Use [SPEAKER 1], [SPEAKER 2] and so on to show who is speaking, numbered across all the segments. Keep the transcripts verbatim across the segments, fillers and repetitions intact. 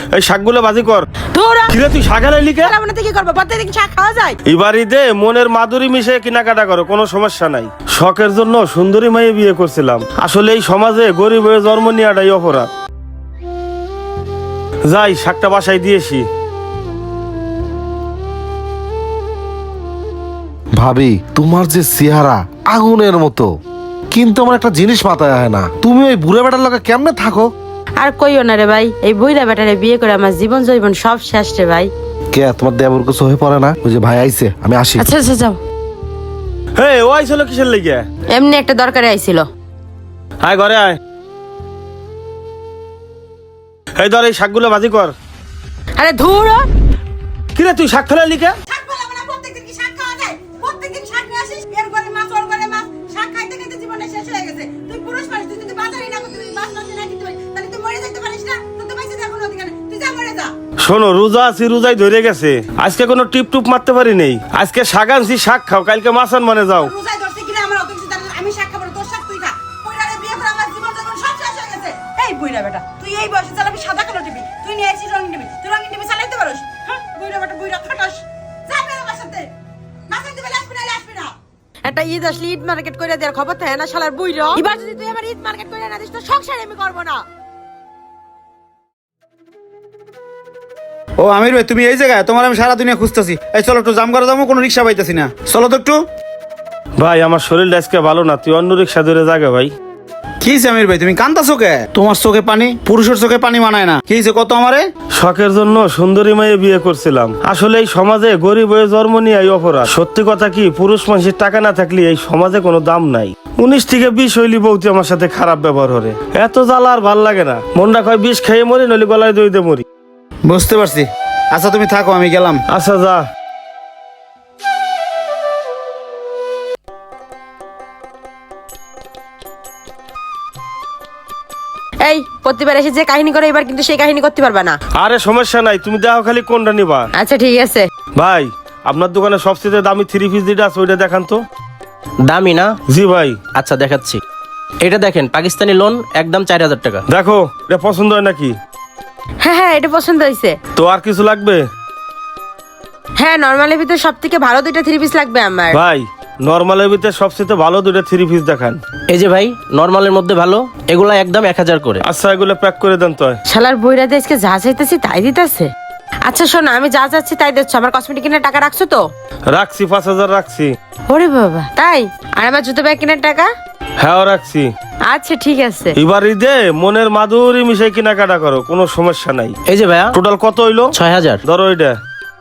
[SPEAKER 1] এই শাকগুলো ভাজি কর। কিরে তুই শাক আনাইলি কে?
[SPEAKER 2] কি করবো, প্রত্যেকদিন শাক খাওয়া যায়?
[SPEAKER 1] এবার ঈদে মনের মাধুরী মিশে কেনাকাটা করো, কোনো সমস্যা নাই। শখের জন্য সুন্দরী মাইয়ে বিয়ে করছিলাম। আসলে এই সমাজে গরিব হয়ে জন্ম নেওয়াটাই অপরাধ। যাই শাকটা বাসায় দিয়েছি।
[SPEAKER 3] ভাবি তোমার যে চেহারা আগুনের মতো, কিন্তু আমার একটা জিনিস মাথায় আয় না, তুমি ওই বুড়া বেটার লগে কেমনে থাকো?
[SPEAKER 2] আর কইও না রে ভাই, এই বুইড়া বেটারে বিয়ে করে আমার জীবন জৈবন সব শেষ রে ভাই।
[SPEAKER 3] কে তোমার দেবর কিছু হয়ে পড়ে না? ওই যে ভাই আইছে, আমি আসি।
[SPEAKER 2] আচ্ছা আচ্ছা যাও।
[SPEAKER 1] হে ও আইছিল কিসের লেগে?
[SPEAKER 2] এমনি একটা দরকারে আইছিল।
[SPEAKER 1] আয় ঘরে আয়। এই ধর এই শাকগুলো ভাজি কর।
[SPEAKER 2] আরে ধুর,
[SPEAKER 1] কিরে তুই শাক ফেলালি কে?
[SPEAKER 4] শাক বলাবো না, প্রত্যেকদিন কি শাক খাওয়া যায়? প্রত্যেকদিন শাক নিয়ে আসিস, এর ঘরে মাছ ওর ঘরে মাছ, শাক খাইতে খাইতে জীবনটা শেষ হয়ে গেছে। তুই পুরুষ মানুষ, তুই যদি বাজারে না করতে পারিস, মাছ মাছ না কিনতে পারিস, তাহলে তুই মরে যেতে পারিস না? তোর তো পয়সা দেওয়ার কোনো অধিকার নেই, তুই যা মরে যা।
[SPEAKER 1] শোনো, রোজা আছি, রোজাই ধরে গেছে। আজকে কোনো টিপ টুপ মারতে পারি নেই। আজকে শাক আনছি, শাক খাও, কালকে মাছ আন মানে যাও।
[SPEAKER 4] রোজায় ধরছে কিনা আমার অত কিছু জানি না, আমি শাক খাবো না, তোর শাক তুই খা। বুইড়ারে বিয়ে করে আমার জীবন যখন সব শেষ হয়ে গেছে। এই বুইড়া বেটা, তুই এই বয়সে চালাবি সাদা কালো টিভি, তুই নিয়ে আসিস রঙিন টিভি, তুই রঙিন টিভি চালাইতে পারোস? হ্যাঁ বুইড়া বেটা, বুইড়া খাটাস। যা বের আমার সাথে, মাছ আনতে পারলে আসবি না, আসবি না।
[SPEAKER 2] একটা ঈদ আসলে ঈদ মার্কেট করে দেওয়ার খবর থাকে না শালার বুইড়া। এবার যদি তুই আমার ঈদ মার্কেট করে না দিস তো সংসার আমি করবো না।
[SPEAKER 5] ও আমির ভাই, তুমি এই জায়গায়? তোমার আমি সারা দুনিয়া খুঁজতেছি। এই চলো একটু জাম করে যাবো, কোনো রিক্সা পাইতেছি না, চলো তো একটু।
[SPEAKER 1] ভাই আমার শরীরটা আজকে ভালো না, তুই অন্য রিক্সা ধরে জাগে ভাই।
[SPEAKER 5] কি হয়েছে আমির ভাই, তুমি কান্দাছো কে? তোমার চোখে পানি পুরুষের চোখে পানি মানায় না। কি হয়েছে কত আমারে?
[SPEAKER 1] শখের জন্য সুন্দরী মাইয়ে বিয়ে করছিলাম। আসলে এই সমাজে গরিব হয়ে জন্ম নিয়ে এই অপরাধ। সত্যি কথা কি, পুরুষ মানুষের টাকা না থাকলে এই সমাজে কোনো দাম নাই। উনিশ থেকে বিশ হইলি বউতি আমার সাথে খারাপ ব্যবহার করে। এত জ্বালা আর ভাল লাগে না। মনটা কয় বিষ খেয়ে মরি, নইলে গলায় দই দিয়ে মরি।
[SPEAKER 5] বুঝতে পারছি। আচ্ছা তুমি থাকো, আমি গেলাম।
[SPEAKER 1] আচ্ছা যা।
[SPEAKER 2] এই প্রতিবার এসে যে কাহিনী করে এবার কিন্তু সেই কাহিনী করতে পারবা না।
[SPEAKER 1] আরে সমস্যা নাই, তুমি দেখো খালি কোনটা নিবা।
[SPEAKER 2] আচ্ছা ঠিক আছে।
[SPEAKER 1] ভাই আপনার দোকানে সবচেয়ে দামি থ্রি পিস যেটা আছে ওইটা দেখান তো।
[SPEAKER 6] দামি না?
[SPEAKER 1] জি ভাই।
[SPEAKER 6] আচ্ছা দেখাচ্ছি। এটা দেখেন, পাকিস্তানি লোন, একদম চার হাজার টাকা।
[SPEAKER 1] দেখো এটা পছন্দ হয় নাকি?
[SPEAKER 2] হ্যাঁ হ্যাঁ এটা পছন্দ হয়েছে।
[SPEAKER 1] তো আর কিছু লাগবে?
[SPEAKER 2] হ্যাঁ নর্মালের ভিতরে সব থেকে ভালো দুইটা থ্রি পিস লাগবে আমার।
[SPEAKER 1] ভাই নর্মালের ভিতরে সবচেয়ে ভালো দুইটা থ্রি পিস দেখান।
[SPEAKER 6] এই যে ভাই, নর্মালের মধ্যে ভালো, এগুলা একদম এক হাজার করে।
[SPEAKER 1] আচ্ছা এগুলো প্যাক করে দেন তো।
[SPEAKER 2] শালার বইরাতে আজকে যা চাইতেছি তাই দিতেছে। আচ্ছা শোনো, আমি যা চাচ্ছি তাই দিচ্ছ। আমার কসমেটিক কেনার টাকা রাখছো তো?
[SPEAKER 1] রাখছি, পাঁচ হাজার রাখছি।
[SPEAKER 2] ওরে বাবা তাই? আর আমার জুতো ব্যাগ কেনার টাকা?
[SPEAKER 1] হ্যাঁ রাখছি।
[SPEAKER 2] আচ্ছা ঠিক আছে।
[SPEAKER 1] এবার ঈদে মনের মাধুরী মিশাই কেনাকাটা করো, কোনো সমস্যা নাই।
[SPEAKER 6] এই যে ভাইয়া,
[SPEAKER 1] টোটাল কত হইলো?
[SPEAKER 6] ছয় হাজার।
[SPEAKER 1] ধরো এটা।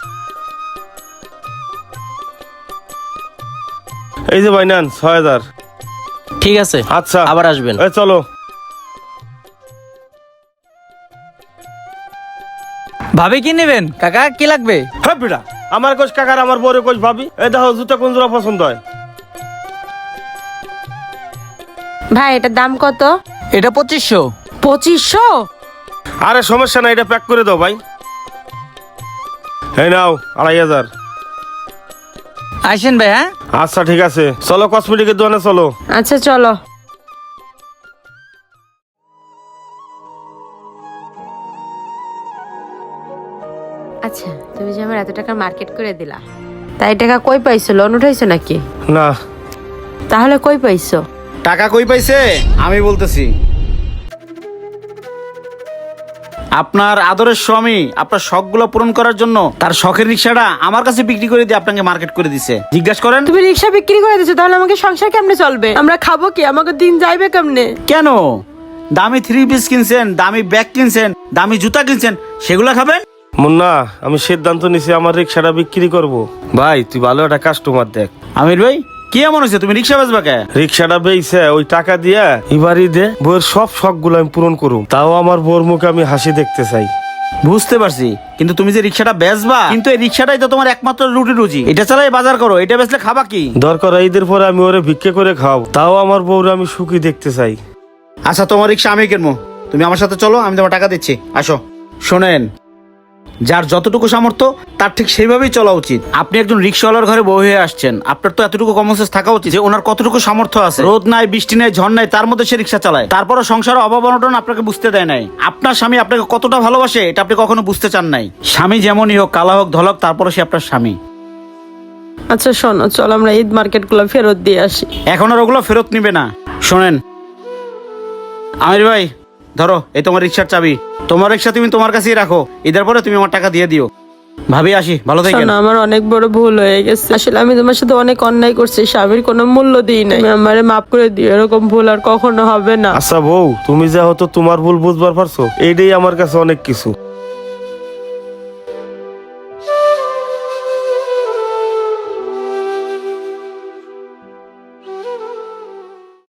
[SPEAKER 1] এই যে ভাই নেন ছয় হাজার।
[SPEAKER 6] ঠিক আছে,
[SPEAKER 1] আচ্ছা
[SPEAKER 6] আবার আসবেন।
[SPEAKER 1] এই চলো।
[SPEAKER 7] ভাবি কি নেবেন কাকা, কি লাগবে?
[SPEAKER 1] হ্যাঁ বিড়া, আমার কোচ কাকার আমার বড় কোচ ভাবি। এই দেখো জুতা কোন জোড়া পছন্দ হয়?
[SPEAKER 2] ভাই এটার দাম কত?
[SPEAKER 7] এটা পঁচিশশো।
[SPEAKER 2] পঁচিশশো?
[SPEAKER 1] আরে সমস্যা নাই, এটা প্যাক করে দাও ভাই। এই নাও আড়াই হাজার।
[SPEAKER 7] আসেন ভাই। হ্যাঁ
[SPEAKER 1] আচ্ছা ঠিক আছে, চলো কসমেটিকের দোকানে চলো।
[SPEAKER 2] আচ্ছা চলো। আচ্ছা তুমি যে আমার এত টাকা মার্কেট করে দিলা, তাই টাকা কই পাইছো? লোন উঠাইছো নাকি?
[SPEAKER 1] না।
[SPEAKER 2] তাহলে কই পাইছো?
[SPEAKER 5] টাকা কই পাইছে আমি বলতেছি। আপনার আদরের স্বামী আপনার শখগুলো পূরণ করার জন্য তার শখের রিক্সাটা আমার কাছে বিক্রি করে দিয়ে আপনাকে মার্কেট করে দিছে। জিজ্ঞাসা করেন।
[SPEAKER 2] তুমি রিক্সা বিক্রি করে দিছো, তাহলে আমাকে সংসার কেমনে চলবে? আমরা খাবো কি? আমাকে দিন যাইবে কেমনে?
[SPEAKER 5] কেন? দামি থ্রি পিস কিনছেন, দামি ব্যাগ কিনছেন, দামি জুতা কিনছেন, সেগুলা খাবেন?
[SPEAKER 1] মুন্না আমি সিদ্ধান্ত নিছি আমার রিক্সাটা বিক্রি করব। ভাই তুই ভালো একটা কাস্টমার দেখ।
[SPEAKER 5] আমির ভাই কি এমন হয়েছে, তুমি রিক্সা বেচবা কে?
[SPEAKER 1] রিক্সাটা বেইছে ওই টাকা দিয়া এবারই দে বউয়ের সব শখ গুলো আমি পূরণ করুম। তাও আমার বউর মুখে আমি হাসি দেখতে চাই।
[SPEAKER 5] বুঝতে পারছি, কিন্তু তুমি যে রিক্সাটা বেচবা, কিন্তু এই রিক্সাটাই তো তোমার একমাত্র রুটি রুজি। এটা চালাই বাজার করো, এটা বেচলে খাবা কি?
[SPEAKER 1] দরকার ঈদের পরে আমি ওরে ভিক্ষে করে খাওয়াবো, তাও আমার বউরে আমি সুখী দেখতে চাই।
[SPEAKER 5] আচ্ছা তোমার রিক্সা আমি কিনবো, তুমি আমার সাথে চলো, আমি তোমার টাকা দিচ্ছি, আসো। শোনেন, যার যতটুকু সামর্থ্য তার ঠিক সেইভাবেই চলা উচিত। আপনি একজন রিক্সাওয়ালার ঘরে বউ হয়ে আসছেন, আপনার তো এতটুকু কমন সেন্স থাকা উচিত যে ওনার কতটুকু সামর্থ্য আছে। রোদ নাই, বৃষ্টি নাই, ঝড় নাই, তার মধ্যে সে রিক্সা চালায়, তারপরও সংসারের অভাব অনটন আপনাকে বুঝতে দেয় নাই। আপনার স্বামী আপনাকে কতটা ভালোবাসে এটা আপনি কখনো বুঝতে চান নাই। স্বামী যেমনই হোক, কালা হোক ধলক, তারপরও সে আপনার স্বামী।
[SPEAKER 2] আচ্ছা শোনো, চল আমরা ঈদ মার্কেট গুলো ফেরত দিয়ে আসি।
[SPEAKER 5] এখন আর ওগুলো ফেরত নিবে না। শোনেন আমির ভাই, ধরো এই তোমার রিক্সার চাবি, তোমার রিক্সা তুমি তোমার কাছেই রাখো, ঈদের পরে তুমি আমার টাকা দিয়ে দিও। ভাবি আসি, ভালো থাকেন।
[SPEAKER 2] শোনো, আমার অনেক বড় ভুল হয়ে গেছে। আসলে আমি তোমার সাথে অনেক অন্যায় করছি, স্বামীর কোনো মূল্য দিই না। তুমি আমারে মাফ করে দিও, এরকম ভুল আর কখনো হবে না।
[SPEAKER 1] আচ্ছা বউ, তুমি যা হতো তোমার ভুল বুঝবার পারছো, এইটাই আমার কাছে অনেক কিছু।